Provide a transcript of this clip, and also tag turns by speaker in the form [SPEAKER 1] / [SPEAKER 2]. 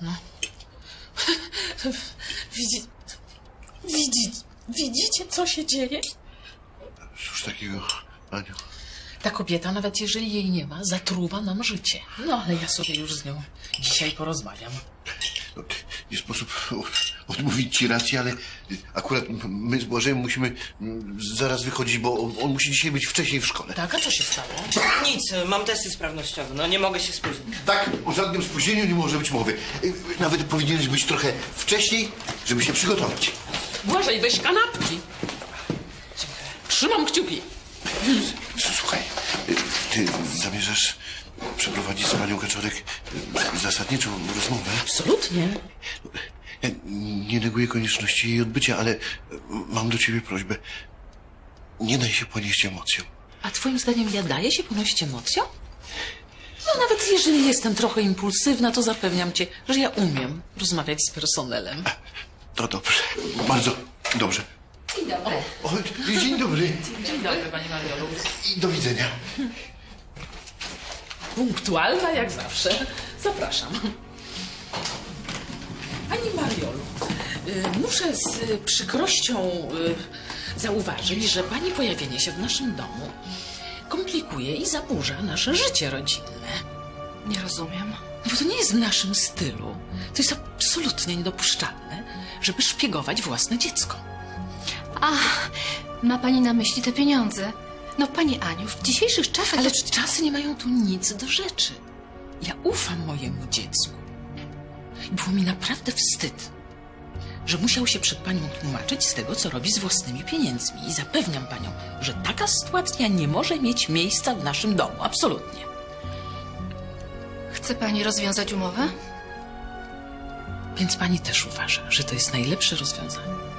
[SPEAKER 1] No. Widzicie, co się dzieje?
[SPEAKER 2] Cóż takiego, Aniu?
[SPEAKER 1] Ta kobieta, nawet jeżeli jej nie ma, zatruwa nam życie. No, ale ja sobie już z nią dzisiaj porozmawiam.
[SPEAKER 2] No, nie sposób odmówić ci racji, ale akurat my z Błażejem musimy zaraz wychodzić, bo on musi dzisiaj być wcześniej w szkole.
[SPEAKER 1] Tak, a co się stało?
[SPEAKER 3] Nic, mam testy sprawnościowe, no nie mogę się spóźnić.
[SPEAKER 2] Tak, o żadnym spóźnieniu nie może być mowy. Nawet powinieneś być trochę wcześniej, żeby się przygotować.
[SPEAKER 1] Błażej, weź kanapki. Trzymam kciuki.
[SPEAKER 2] Słuchaj, ty zamierzasz przeprowadzić z panią Kaczorek zasadniczą rozmowę?
[SPEAKER 1] Absolutnie.
[SPEAKER 2] Ja nie neguję konieczności jej odbycia, ale mam do ciebie prośbę. Nie daj się ponieść emocjom.
[SPEAKER 1] A twoim zdaniem ja daję się ponosić emocjom? No nawet jeżeli jestem trochę impulsywna, to zapewniam cię, że ja umiem rozmawiać z personelem.
[SPEAKER 2] To dobrze, bardzo dobrze.
[SPEAKER 1] Dzień dobry.
[SPEAKER 2] O, dzień dobry
[SPEAKER 1] Dzień dobry, pani Mariolu.
[SPEAKER 2] i do widzenia.
[SPEAKER 1] Punktualna jak zawsze. Zapraszam. Pani Mariolu, muszę z przykrością zauważyć, że pani pojawienie się w naszym domu komplikuje i zaburza nasze życie rodzinne.
[SPEAKER 4] Nie rozumiem.
[SPEAKER 1] Bo to nie jest w naszym stylu. To jest absolutnie niedopuszczalne, żeby szpiegować własne dziecko.
[SPEAKER 4] Ach, ma pani na myśli te pieniądze? No, pani Aniu, w dzisiejszych czasach...
[SPEAKER 1] Ale czasy nie mają tu nic do rzeczy. Ja ufam mojemu dziecku. I było mi naprawdę wstyd, że musiał się przed panią tłumaczyć z tego, co robi z własnymi pieniędzmi. I zapewniam panią, że taka sytuacja nie może mieć miejsca w naszym domu. Absolutnie.
[SPEAKER 4] Chce pani rozwiązać umowę?
[SPEAKER 1] Więc pani też uważa, że to jest najlepsze rozwiązanie.